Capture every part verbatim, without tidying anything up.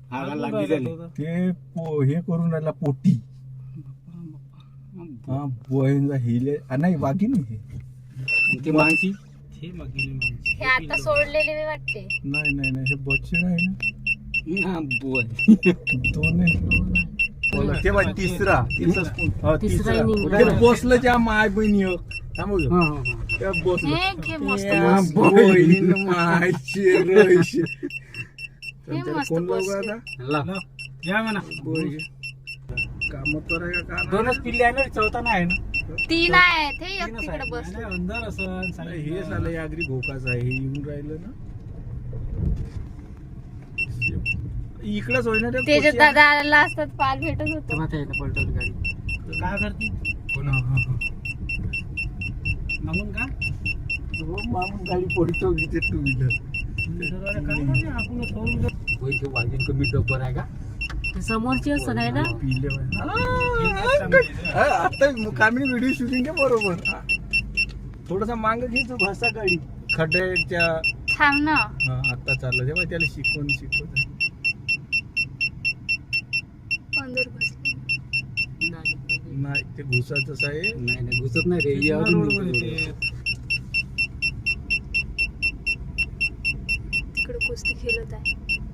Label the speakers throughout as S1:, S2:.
S1: ते पो- हे करून राहिला पोटी हा बोहेंजा हिले आ, नाही वाघीण आहे हे.
S2: ते माणसी
S3: हे आता सोडलेले वाटते.
S1: नाही नाही नाही हे बच्चे नाही ना
S2: हा बोय
S1: दोन आहे. तेव्हा तिसरा हा, तिसरा
S3: निघाला.
S1: ते बसलं ज्या माय बहिणी हो. थांबू घे.
S2: हा हा हा
S1: त्या बसलं
S3: हे घे मस्त
S1: त्या
S3: मस्त.
S1: बहीण मायचे रयशे.
S3: हे
S1: त्याला
S3: मस्त
S1: कोण लावू
S3: बसले.
S1: आता
S2: लाव या म्हणा
S1: काम करायला का ना?
S2: दोनच पिल्ले आहे ना चौथा नाही आहे ना
S3: तीन आहेत हे एक तिकडे बसले.
S2: अंधार असं
S1: अरे हे साला यागरी भोकाच आहे हे येऊन राहिलं ना इकडंच होय ना रे
S3: त्याच्या
S1: कोचिया?
S3: दादाला असतात पाल भेटत होतो.
S2: पलटवली गाडी काय करते
S1: हा, हा, हा.
S2: मागून का
S1: हो, मागून गाडी पलटवली ते टू व्हीलर
S2: आपण वाजून कमी डब्बर आहे का
S3: समोरची असं आहे ना.
S1: पिले हा, आता कामी व्हिडिओ शूटिंग आहे बरोबर हा. थोडासा मांग घ्यायचं भाषा गाडी खड्ड्याच्या
S3: थांब ना.
S1: हा आता चाललं तेव्हा त्याला शिकवून शिकवत
S3: अंदर बसले.
S1: नाही ते घुसाचंच आहे
S2: नाही नाही घुसत नाही रे हे अजून निघतं.
S3: तिकडे कुस्ती खेळत आहे.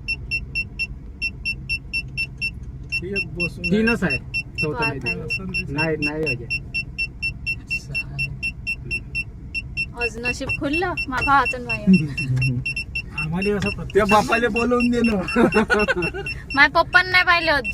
S1: ते एक बसून
S2: तीनच आहे चौथा
S3: पाच
S2: नाही
S3: आहे.
S2: नाही नाही अजय
S3: आज नशीब खुललं माझ्या हातून माझ्या.
S2: आम्हाला असं
S1: त्या बापाला बोलवून दे ना
S3: माझ्या पप्पांना नाही पाहिलं अजून.